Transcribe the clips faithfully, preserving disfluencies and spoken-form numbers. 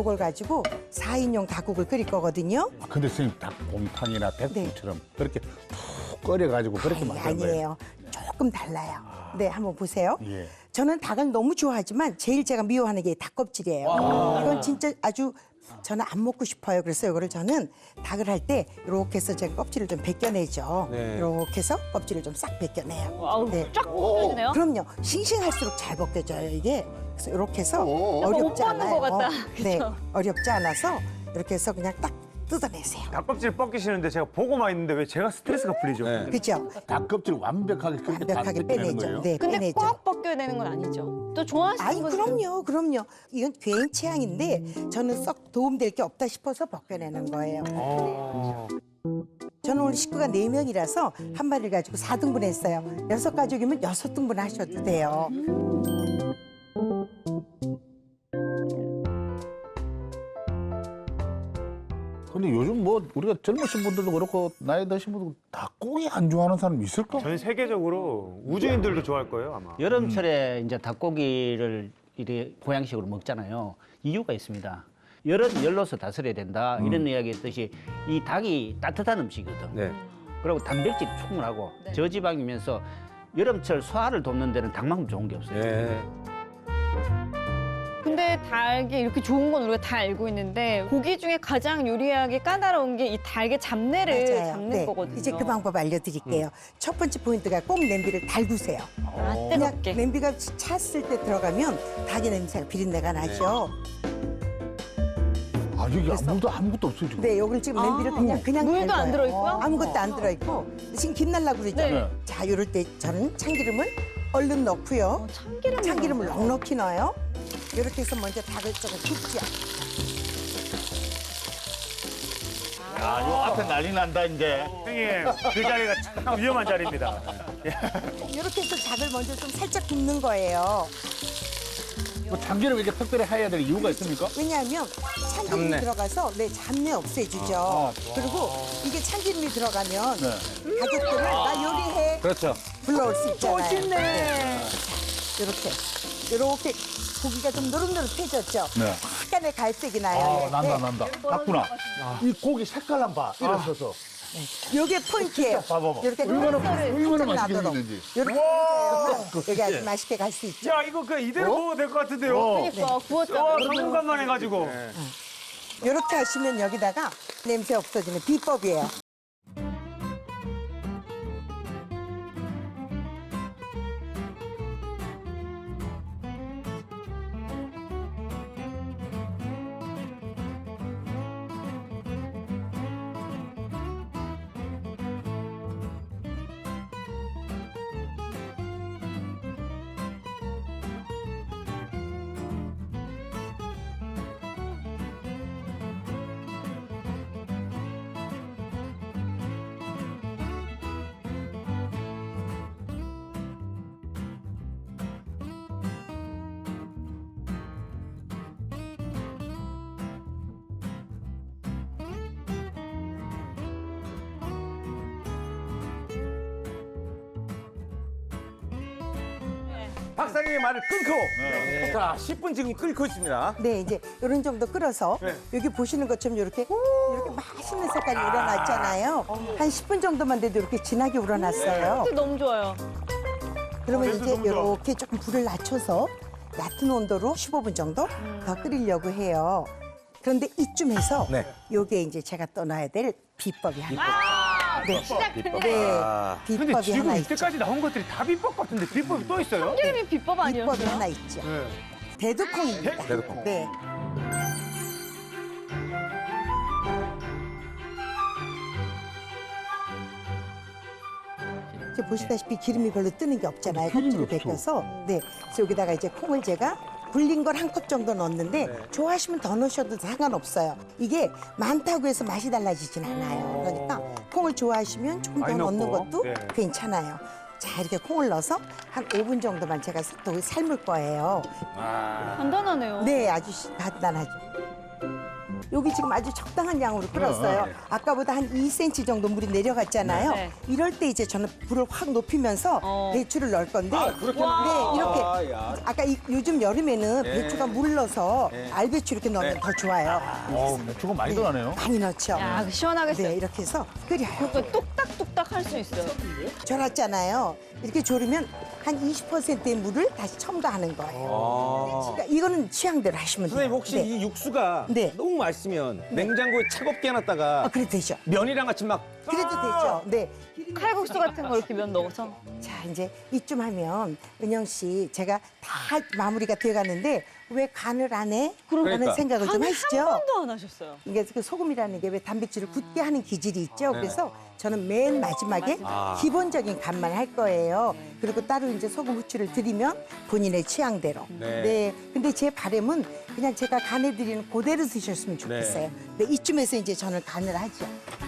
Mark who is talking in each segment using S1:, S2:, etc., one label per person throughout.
S1: 요걸 가지고 사 인용 닭국을 끓일 거거든요.
S2: 아, 근데 선생님 닭곰탕이나 백국처럼 그렇게 푹 끓여가지고 그렇게
S1: 아니,
S2: 만드는 거예요?
S1: 아니에요. 조금 달라요. 네, 한번 보세요.
S2: 예.
S1: 저는 닭을 너무 좋아하지만 제일 제가 미워하는 게 닭껍질이에요. 이건 진짜 아주 저는 안 먹고 싶어요. 그래서 이거를 저는 닭을 할 때 이렇게 해서 제가 껍질을 좀 벗겨내죠.
S3: 네.
S1: 이렇게 해서 껍질을 좀 싹 벗겨내요.
S4: 아우,
S1: 네.
S4: 쫙 벗겨지네요.
S1: 그럼요. 싱싱할수록 잘 벗겨져요, 이게. 그래서 이렇게 해서
S4: 옷
S1: 어렵지
S4: 벗는
S1: 않아요.
S4: 것 같다.
S1: 네,
S4: 그쵸?
S1: 어렵지 않아서 이렇게 해서 그냥 딱 뜯어내세요.
S5: 닭껍질 벗기시는데 제가 보고만 있는데 왜 제가 스트레스가 풀리죠?
S3: 네.
S1: 그죠?
S2: 닭껍질 완벽하게 그렇게 다
S1: 완벽하게
S2: 벗겨내는
S1: 빼내죠.
S2: 거예요?
S1: 네,
S4: 근데
S1: 빼내죠.
S4: 꽉 벗겨야 되는 건 아니죠. 또 좋아하시는
S1: 아이
S4: 분들.
S1: 그럼요, 그럼요. 이건 개인 취향인데 저는 썩 도움될 게 없다 싶어서 벗겨내는 거예요.
S5: 어.
S1: 저는 오늘 식구가 네 명이라서 한 마리를 가지고 사 등분 했어요. 여섯 가족이면 여섯 등분 하셔도 돼요.
S2: 근데 요즘 뭐 우리가 젊으신 분들도 그렇고 나이 드신 분들도 닭고기 안 좋아하는 사람 있을까?
S5: 전 세계적으로 우주인들도 좋아할 거예요, 아마.
S6: 여름철에 이제 닭고기를 이렇게 보양식으로 먹잖아요. 이유가 있습니다. 열은 열로서 다스려야 된다. 이런 이야기 했듯이 이 닭이 따뜻한 음식이거든.
S3: 네.
S6: 그리고 단백질이 충분하고
S4: 네.
S6: 저지방이면서 여름철 소화를 돕는 데는 닭만큼 좋은 게 없어요.
S3: 네.
S4: 근데 닭이 이렇게 좋은 건 우리가 다 알고 있는데 고기 중에 가장 요리하기 까다로운 게 이 닭의 잡내를 잡는
S1: 네,
S4: 거거든요.
S1: 이제 그 방법 알려드릴게요. 첫 번째 포인트가 꼭 냄비를 달구세요.
S4: 아,
S1: 그냥
S4: 뜨겁게.
S1: 냄비가 찼을 때 들어가면 닭의 냄새가 비린내가 나죠.
S2: 아 여기 아무도 아무것도 없어요 지금.
S1: 네, 요걸 지금 냄비를
S4: 아,
S1: 그냥 그냥
S4: 물도 안
S1: 달궈요.
S4: 들어있고요?
S1: 아무것도 안 들어있고 지금 김 날라 그러죠.
S4: 네.
S1: 자, 이럴 때 저는 참기름을 얼른 넣고요.
S4: 어, 참기름을
S1: 참기름을
S4: 넣어요?
S1: 넉넉히 넣어요. 이렇게 해서 먼저 닭을 조금 굽죠.
S2: 야, 요 앞에 난리 난다 이제.
S5: 형님, 그 자리가 참 위험한 자리입니다.
S1: 이렇게 해서 닭을 먼저 좀 살짝 굽는 거예요.
S2: 뭐 참기름 이렇게 특별히 해야 될 이유가 있습니까?
S1: 왜냐하면 참기름이
S3: 잡내.
S1: 들어가서 내 잡내 없애주죠.
S2: 아,
S1: 그리고 이게 참기름이 들어가면
S2: 네.
S1: 가족들을 나 요리해
S3: 그렇죠.
S1: 불러올 수 있잖아요.
S4: 멋있네.
S1: 이렇게 이렇게 고기가 좀 노릇노릇해졌죠.
S2: 네.
S1: 약간의 갈색이 나요.
S2: 아 난다
S1: 네.
S2: 난다. 맞구나. 이 고기 색깔 한 봐. 이래서서.
S1: 요게 포인트예요.
S2: 봐봐봐.
S1: 이렇게
S2: 얼마나
S1: color을
S2: 얼마나
S1: 살짝
S2: 맛있게
S1: 놔둬도.
S2: 생겼는지.
S1: 이렇게 해서 여기 아주 맛있게 갈 수 있죠.
S5: 야, 이거 그냥 이대로 먹어도 될 것 같은데요?
S4: 그러니까 구웠잖아.
S5: 와, 당분간만 해가지고.
S1: 이렇게 하시면 여기다가 냄새 없어지는 비법이에요.
S3: 박사님의 말을 끊고 자 십 분 지금 끓고 있습니다.
S1: 네, 이제 이런 정도 끓어서
S5: 네.
S1: 여기 보시는 것처럼 이렇게 이렇게 맛있는 색깔이 우러났잖아요. 한 십 분 정도만 돼도 이렇게 진하게 우러났어요.
S4: 진짜 너무 좋아요.
S1: 그러면
S5: 어, 냄새
S1: 이제
S5: 너무 좋아.
S1: 이렇게 조금 불을 낮춰서 얕은 온도로 십오 분 정도 더 끓이려고 해요. 그런데 이쯤에서
S3: 네.
S1: 요게 이제 제가 떠나야 될 비법이 하나
S4: 아,
S1: 네.
S4: 시작됐네.
S1: 네,
S3: 아.
S5: 근데
S1: 비법이
S5: 지금
S1: 하나 있죠.
S5: 이때까지 나온 것들이 다 비법 같은데 비법이 또 있어요?
S4: 참기름이 비법
S1: 비법이
S4: 아니었어요?
S1: 하나 있죠.
S5: 네.
S1: 대두콩입니다.
S3: 대두콩.
S1: 네. 이제 보시다시피 기름이 별로 뜨는 게 없잖아요.
S2: 기름이
S1: 껍질을
S2: 없어.
S1: 벗겨서. 네. 그래서 여기다가 이제 콩을 제가 불린 걸 한 컵 정도 넣었는데 좋아하시면 더 넣으셔도 상관없어요. 이게 많다고 해서 맛이 달라지진 않아요. 그러니까 콩을 좋아하시면 조금 더
S5: 많이
S1: 넣는
S5: 넣고.
S1: 것도
S5: 네.
S1: 괜찮아요. 자, 이렇게 콩을 넣어서 한 오 분 정도만 제가 또 삶을 거예요.
S4: 간단하네요.
S1: 네, 아주 시- 간단하죠. 여기 지금 아주 적당한 양으로 끓었어요. 아까보다 한 이 센티미터 정도 물이 내려갔잖아요.
S4: 네.
S1: 이럴 때 이제 저는 불을 확 높이면서
S4: 어.
S1: 배추를 넣을 건데
S3: 아, 그렇게
S1: 네,
S3: 넣는구나.
S1: 이렇게
S3: 아, 야.
S1: 아까 이- 요즘 여름에는
S3: 예.
S1: 배추가 물러서 알배추 이렇게 넣으면
S3: 네.
S1: 더 좋아요.
S2: 어, 배추가 많이 들어가네요.
S1: 많이 넣죠.
S4: 야, 시원하겠어요.
S1: 네, 이렇게 해서 끓여요.
S4: 그거 똑딱똑딱 할 수 있어요.
S1: 졸았잖아요. 이렇게 졸이면 한 이십 퍼센트의 물을 다시 첨가하는 거예요.
S3: 아.
S1: 그러니까 이거는 취향대로 하시면 돼요.
S3: 선생님 혹시
S1: 네.
S3: 이 육수가
S1: 네.
S3: 너무 맛있으면 냉장고에 차갑게 해놨다가
S1: 아, 그래도 되죠.
S3: 면이랑 같이 막
S1: 그래도 되죠. 네.
S4: 칼국수 같은 거 이렇게 면 넣어서.
S1: 자, 이제 이쯤 하면 은영 씨 제가 다 마무리가 되어 가는데 왜 간을 안 해? 라는
S3: 그러니까.
S1: 생각을 좀
S4: 한
S1: 하시죠.
S4: 번도 안 하셨어요.
S1: 이게 그 소금이라는 게 왜 단백질을 굳게 하는 기질이 있죠. 그래서 저는 맨 마지막에
S3: 아.
S1: 기본적인 간만 할 거예요. 그리고 따로 이제 소금 후추를 드리면 본인의 취향대로.
S3: 네.
S1: 네. 근데 제 바람은 그냥 제가 간해드리는 그대로 드셨으면 좋겠어요. 네. 이쯤에서 이제 저는 간을 하죠.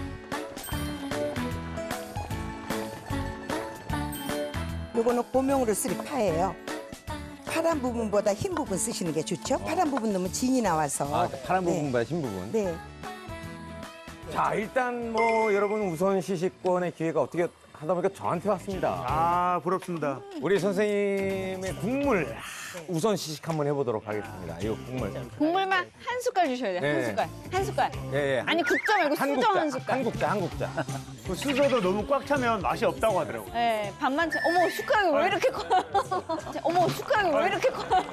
S1: 요거는 고명으로 쓸 파예요. 파란 부분보다 흰 부분 쓰시는 게 좋죠. 파란 부분 넣으면 진이 나와서.
S3: 아, 파란
S1: 네.
S3: 부분보다 흰 부분.
S1: 네.
S3: 자, 일단 뭐 여러분 우선 시식권의 기회가 어떻게 하다 보니까 저한테 왔습니다.
S5: 아 부럽습니다.
S3: 우리 선생님의 국물 우선 시식 한번 해보도록 하겠습니다. 이 국물.
S4: 국물만 한 숟갈 주셔야 돼요.
S3: 네.
S4: 한 숟갈. 한 숟갈.
S3: 예, 예.
S4: 아니 국자 말고
S3: 한
S4: 수저
S3: 국자,
S4: 한 숟갈.
S3: 한 국자, 한 국자.
S5: 그 수저도 너무 꽉 차면 맛이 없다고 하더라고.
S4: 네, 반만 채. 어머 숟가락이 왜 이렇게 커요? 어머 숟가락이 왜 이렇게 커요?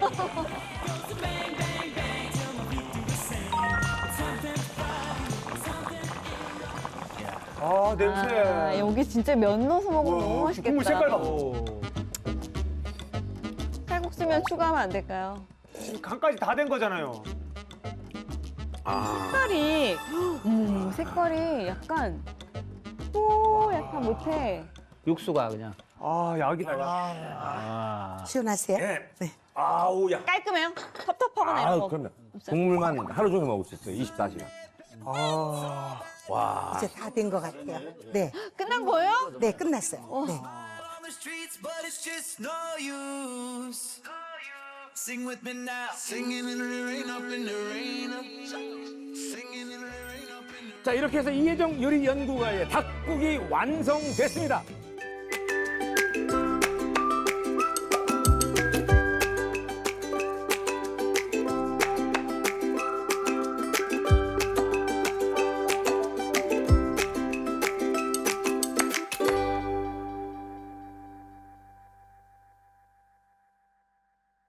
S5: 아 냄새.
S4: 아, 여기 진짜 면 넣어서 먹으면 너무 맛있겠다.
S5: 국물 색깔 봐.
S4: 칼국수면 추가하면 안 될까요?
S5: 지금 간까지 다 된 거잖아요.
S4: 색깔이, 음, 색깔이 약간 또 약간 못해.
S6: 육수가 그냥.
S5: 아 약이다. 약.
S6: 아.
S1: 시원하세요?
S3: 예.
S1: 네.
S3: 아우, 야.
S4: 깔끔해요? 텁텁하거나 이런
S3: 아,
S4: 거.
S3: 그러면
S4: 없어요?
S3: 국물만 하루 종일 먹을 수 있어요. 이십사 시간.
S5: 아.
S3: 와.
S1: 이제 다 된 것 같아요. 네.
S4: 끝난 거예요?
S1: 네, 끝났어요. 네.
S7: on the streets, but it's just no use. Sing with me now. Singing in the rain, up in the rain. Up. Singing in the rain, up in the
S3: 자, 이렇게 해서 이혜정 요리 연구가의 닭국이 완성됐습니다.